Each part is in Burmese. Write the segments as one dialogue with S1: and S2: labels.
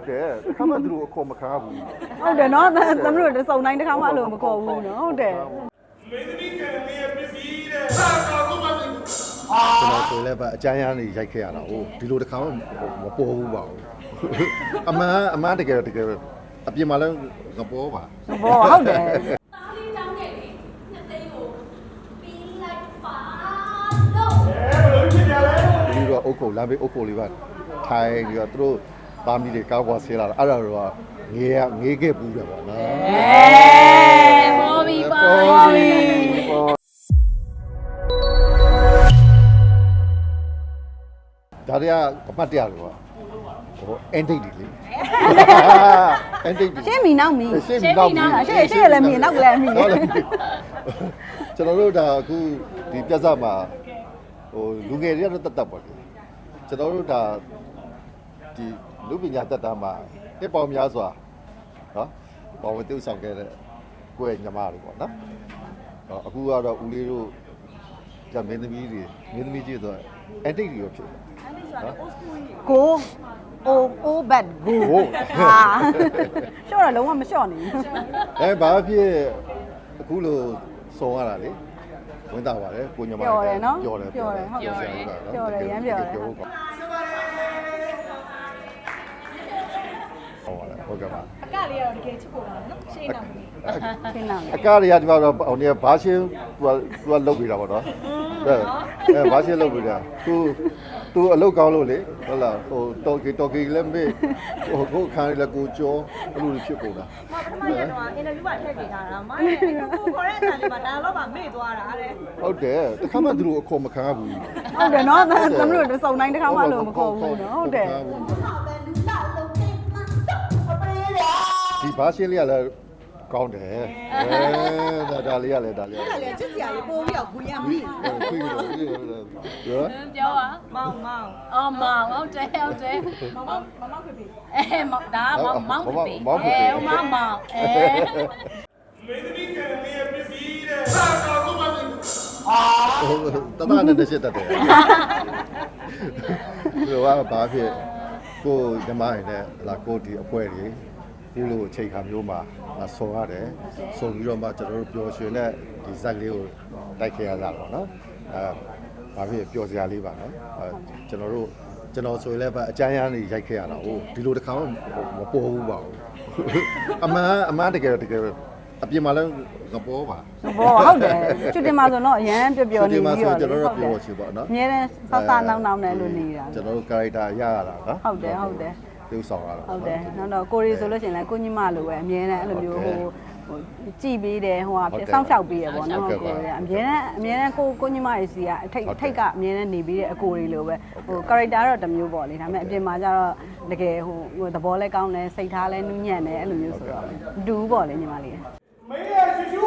S1: ဟုတ်တယ်ခါမှသူတို့အခေါ်မခံဘူး
S2: ဟုတ်တယ်နော်သမီးတို့စုံတိုင်းတစ်ခါမှအဲ့လိုမခေါ်ဘူးနော်ဟုတ်တယ်
S1: မင်းသမီးကလည်းပစ္စည်းတဲ့ဟာတော့ဘာမှကျွန်တော်ဆိုလည်းပဲအကြမ်းရမ်းနေရိုက်ခဲ့ရတာဟုတ်ဒီလိုတစ်ခါမှမပေါ်ဘူးပါဘူးအမှန်တကယ်အပြင်မှာလည်းငပေါ်ပါ
S2: ဘောဟုတ်တယ်
S1: ဒီတော့အုတ်ကိုလမ်းဘေးအုတ်ကိုလေးပါထိုင်ပြီးတော့သူတို့သားမီးတွေကားကွာဆဲလာတာအဲ့ဒါတော့ငေးခဲ့ပူးတယ်ပေါ့နော်
S2: ဘောဘီ
S1: ဒါတွေကအမှတ်တရလို့ပေါ့ဟိုအန်တိတ်တွေလေအန်တိတ်
S2: ရှင်းမီနောက်မီ
S1: ရှင်း
S2: လည်းမီနောက်ကလည်းမီ
S1: ကျွန်တော်တို့ဒါအခုဒီပြဿနာမှာဟိုလူငယ်တွေကတော့တတ်ပေါ့လေကျွန်တော်တို့ဒါဒီလူပညာတတ်တာမှာတစ်ပေါင်းများစွာနော်ပေါ်ဝတ္ထုဆောင်ခဲ့တဲ့ကိုယ့်ရဲ့ညီမတွေပေါ့နော်အခုကတော့ဦးလေးတို့ဒါမင်းသမီးကြီးဆိုအန်တိတ်တွေဖြစ်တယ်နော်
S2: ကိုအိုးဘတ်ကိုဟာရှော့တော့လုံးဝမရှော့နိုင်ဘူး
S1: ဘာဖြစ်အခုလိုစုံရတာလေဝင်တာပါတယ်ကိုညီမ
S2: ပြောတယ်နော်
S1: ပြောတယ်
S2: ဟုတ်တယ်ရမ်းပြောတယ်
S1: ဟုတ်ကဲ့ပါ
S3: အကလေးကတော့တကယ်ချစ်ဖို့ပါနော်ရှင်းအောင်
S2: ရှင်းအောင်
S1: အကတွေကဒီမှာတော့ဟိုနေဘာရှင်းသူကလုတ်ပြီးတာပေါ့နော်ဘာရှင်းလုတ်ပြီးတာသူအလုတ်ကောင်းလို့လေဟုတ်လားဟိုတော်ကီလည်းမေးဟိုကိုခန်းလည်းကိုကြောအဲ့လိုဖြစ်ကုန်တာ
S3: မကတော့အင်တာဗျူးမှာထည့်ပေးထားတာမရဲ့ကိုခေါ်တဲ့အတန်လေးမှာဒါတော့မှမေ့သွားတာတဲ့
S1: ဟုတ်တယ်တခါမှသူတို့အခေါ်မခံဘူး
S2: ဟုတ်တယ်နော်သမီးတို့စုံတိုင်းတစ်ခါမှလို့မခေါ်ဘူးနော်ဟုတ်တယ်
S1: ဒီဘာရှင်းလေးကလည်းကောင်းတယ်ဒါလေးကလည်း
S3: ချစ်စရာလေးပိုးပြီးတော့ဘူးရမိ
S1: ခွေးတော့
S2: ပြောပါ
S3: မောင်
S2: အော်မောင်ဟုတ်တယ်
S3: မောင်ဖေဖေ
S2: မောင်ဒါမောင်ဖေဖေမောင်မောင်
S1: မင်းသမီးကလည်းပစ္စည်းတဲ့ဟာတော့ဘာမှတမန်နဲ့ရှစ်တတ်တယ်ဒီကဘာဖြစ်ကိုဓမ္မရည်နဲ့လာကိုဒီအပွဲတွေဒီလိုအချိန်ခါမျိုးမှာဆော်ရတယ်ဆော်ပြီးတော့မှကျွန်တော်တို့ပျော်ရွှင်တဲ့ဒီဇက်ကလေးကိုတိုက်ခဲ့ရတာပေါ့နော်ဘာဖြစ်ပျော်စရာလေးပါနော်ကျွန်တော်ဆိုရင်လည်းအကြမ်းရမ်းနေရိုက်ခဲ့ရတာဟုတ်ဒီလိုတစ်ခါမှမပေါ်ဘူးပါဘူးအမှန်တကယ်အပြင်မှာလည်းငပေါ်ပါ
S2: ဘောဟုတ်တယ်ချွတ်တင်မှာဆိုတော့အရန်ပျော်နေပြီးတော့
S1: ကျွန်တော်တို့ပျော်ချင်ပါနော်
S2: အများနဲ့ဆောက်နောက်နဲ့လို့နေတာ
S1: ကျွန်တော်တို့ character ရရတာနော်
S2: ဟုတ်တယ်
S1: သူဆောင်ရတာ
S2: ဟုတ်တယ်နောက်တော့ကိုရီဆိုလို့ရှိရင်လည်းကိုညီမလိုပဲအမြဲတမ်းအဲ့လိုမျိုးဟိုကြည်ပေးတယ်ဟိုကစောင့်ရှောက်ပေးရပေါ့နော်ကိုရီကအမြဲတမ်းကိုညီမတွေစီကအထိတ်ကအမြဲတမ်းနေပေးတဲ့အကိုရီလိုပဲဟို character တော့တစ်မျိုးပေါ့လေဒါပေမဲ့အပြင်မှာကျတော့တကယ်ဟိုသဘောလဲကောင်းတယ်စိတ်ထားလဲနူးညံ့တယ်အဲ့လိုမျိုးဆိုတော့ဒူးပေါ့လေညီမလေး
S1: မင်းရရှူရှူ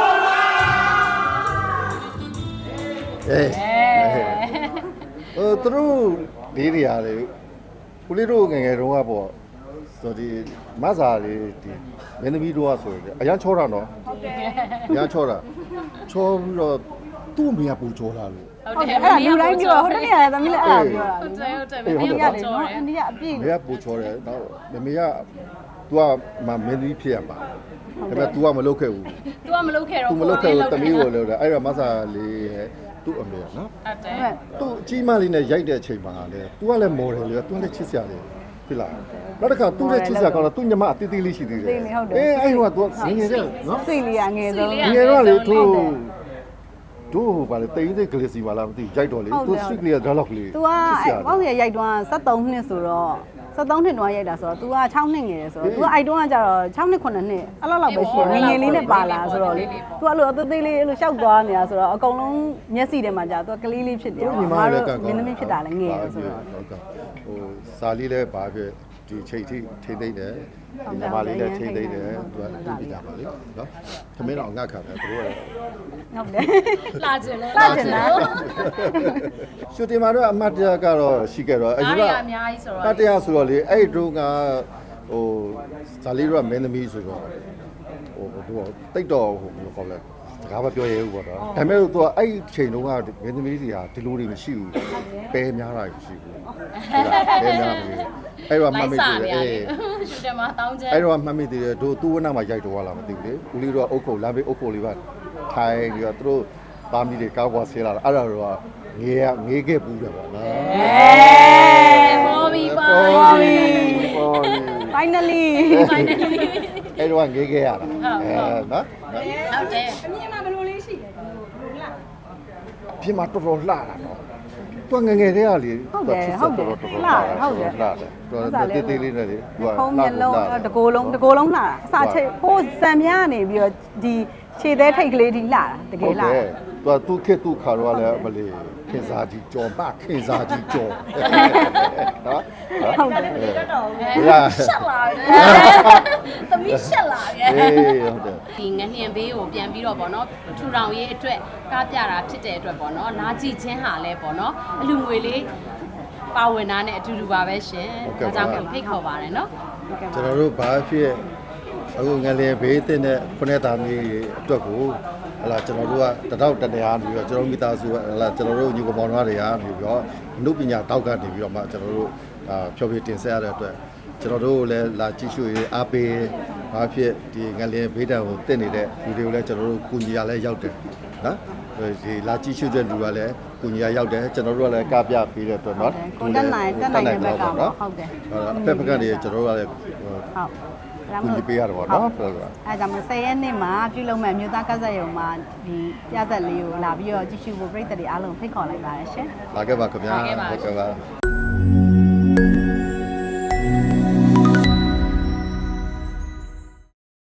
S1: သူတို့လေးတွေရတယ်ဦးလေးတို့ငယ်တုန်းကပေါ့ဆိုဒီမဆာလေးဒီမင်းသမီးတို့ကဆိုရင်အရန်ချောတာနော်
S3: ဟုတ်တယ်
S1: အရန်ချောတာချောပြီးတော့သူ့အမေကပူချောတာလို့
S2: ဟုတ်တယ်အဲ့လူတိုင်းပြောဟိုတနေ့ကသမီးလည်းအဲ့လိုပြောတာ
S3: ဟုတ်တယ်မင်းရတယ်နော်
S2: အိန္ဒိယအပြည့်
S1: မင်းကပူချောတယ်တော့မမေက तू ကမင်းသမီးဖြစ်ရပါဒါပေမဲ့ तू ကမလုပ်ခဲ့ဘူး
S3: तू ကမလုပ်ခဲ့တော့
S1: तू မလုပ်ခဲ့ဘူးတမီးကိုလုပ်တယ်အဲ့တော့မဆာလေးရဲ့သူ့အမေကနော်
S3: ဟုတ်တယ်
S1: သူ့အကြီးမလေးနဲ့ရိုက်တဲ့အချိန်မှာလေ तू ကလည်းမော်တယ်လေ तू ကလည်းချစ်စရာလေးဖြစ်လာနောက်တစ်ခါသူ့ရဲ့ချစ်စရာကောင်းတော့သူ့ညီမအတီးတီးလေးရှိသေးတယ်အဲ့ဟိုက तू ငငယ်တဲ့နော်
S2: စိတ်လေးကငယ်ဆုံး
S1: ငယ်တော့လေတို့ဘာလဲတိန်စိတ်ကလေးစီပါလားမသိရိုက်တော့လေ तू စိတ်ကလေးက dialogue လေး
S2: तू ကဘောက်ရရိုက်တော့73နှစ်ဆိုတော့73နှစ်တော့ရိုက်တာဆိုတော့ तू က6နှစ်ငယ်တယ်ဆိုတော့ तू ကအဲ့တုန်းကကျတော့6နှစ်9နှစ်အဲ့လောက်ပဲရှိတယ်ငယ်လေးနဲ့ပါလာဆိုတော့လေ तू အဲ့လိုအသေးသေးလေးအဲ့လိုရှောက်သွားနေတာဆိုတော့အကုန်လုံးမျက်စိထဲမှာကြာ तू ကလေးလေးဖြစ်တယ်
S1: ညီမလည်းက
S2: မင်းသမီးဖြစ်တာလည်းငယ်တယ်ဆိုတော့
S1: ဟုတ်ကဲ့ဟိုစာလေးလည်းဘာဖြစ်ဒီချိန်ထိထိသိမ့်တယ်ဒီညီမလေးလည်းထိသိမ့်တယ်သူကသူ့ပြကြပါလေနော်သမင်းတော့ငတ်ခံတယ်သူတို့က
S2: ဟုတ်တယ်
S3: လာကျင်လဲ
S1: ရှူတင်မှာတော့အမတ်တရကတော့ရှိခဲ့တော့
S3: အရင်ကအများကြီးဆိုတော့
S1: အမတ်တရဆိုတော့လေအဲ့တုန်းကဟိုဇာလီတို့ကမင်းသမီးဆိုတော့ဟိုသူကတိတ်တော့ဟိုဘယ်လိုခေါ်လဲကားမပြောရဘူးပေါ့နော်ဒါပေမဲ့သူကအဲ့ချိန်တုန်းကမင်းသမီးစီဟာဒီလိုတွေမရှိဘူးပဲများတာမရှိဘူးပဲများမရှိဘူးအဲ့တော့မှတ်မိသေးတယ်
S4: ရှူတယ်မှာတောင်းချက်
S1: အဲ့တော့မှတ်မိသေးတယ်တို့သူ့ဝနမှာရိုက်တော့လာမသိဘူးလေဦးလေးတို့ကအုတ်ခုတ်လမ်းဘေးအုတ်ခုတ်လေးပါထိုင်ပြီးတော့သူတို့သားမီးတွေကားကွာဆေးလာတာအဲ့ဒါတော့ငေးခဲ့ပူးတယ်ပေါ့နော်
S4: ပေါ်ပြီပါ
S2: finally
S1: အဲ့တော့ငေးခဲ့ရတာနော်
S4: ဟုတ်တယ်
S3: အမြင်မှာဘယ်လိုလေးရှိလဲဘယ်လိုလား
S1: ပြင်မှာတော်တော်လှတာနော်သူငငယ်တည်းကလေတော်တော်လှတယ်တော်တေးသေးလေးနဲ့လေသူက
S2: ဖုံးမျက်လုံးတကိုယ်လုံးလှတာအစာချိတ်ဟိုးစံပြားနေပြီးတော့ဒီခြေသေးထိတ်ကလေးဒီလှတာတကယ်လှတာ
S1: သူခေတ်သူခါတော့လည်းမလေးခင်စားကြီးကြော်မခင်စားကြီးကြော်နော်
S2: ဟုတ်တယ်
S3: တော်တော်
S4: ရှက်လာတယ်သမီးရှက်လာတယ်
S1: အေးဟုတ်တယ်
S4: ဒီငနှင်ဘေးကိုပြန်ပြီးတော့ဗောနော်ထူထောင်ရေးအတွက်ကားပြတာဖြစ်တဲ့အတွက်ဗောနော်နားကြည့်ခြင်းဟာလဲဗောနော်အလူငွေလေးပါဝင်တာနဲ့အတူတူပါပဲရှင်ဒါကြောင့်မို့ဖိတ်ခေါ်ပါတယ်နော်
S1: ကျွန်တော်တို့ဘာဖြစ်အခုငလျင်ဘေးတင်တဲ့ခုနှစ်သားမီးအတွက်ကိုဟလာကျွန်တော်တို့ကတတောက်တနေအားနေပြီးတော့ကျွန်တော်မိသားစုဟလာကျွန်တော်တို့ညီကောင်မောင်တွေကနေပြီးတော့အမှုပညာတောက်ကနေပြီးတော့မှကျွန်တော်တို့ဖြောပြတင်ဆက်ရတဲ့အတွက်ကျွန်တော်တို့လည်းလာကြည့်ရှုရေးအားပေးဘာဖြစ်ဒီငလျင်ဘေးတံကိုတင်နေတဲ့လူတွေကိုလည်းကျွန်တော်တို့ကူညီရလဲရောက်တယ်နော်ဒီလာကြည့်ရှုတဲ့လူကလည်းကူညီရရောက်တယ်ကျွန်တော်တို့ကလည်းကပြပေးတဲ့အတွက်နော်
S2: ကိုတက်နိုင်တဲ့ဘက်ကပေါ့ဟုတ်တယ်
S1: ဖက်ဖက်ကနေကျွန်တော်တို့ကလည်း
S2: ဟုတ်
S1: ကူညီပေးရတယ်ပေါ့နော်ပြောတာ
S2: အဲဒါမှ10ရက်နေ့မှာပြုလုပ်မဲ့မြို့သားကစားရုံမှာဒီပြသက်လေးကိုလာပြီးတော့ကြည့်ရှုဖို့ပြည်သက်တွေအားလုံးဖိတ်ခေါ်လိုက်ပါတယ်ရှင်
S1: လာခဲ့ပါခင်ဗျာဟုတ်ကဲ့ပါ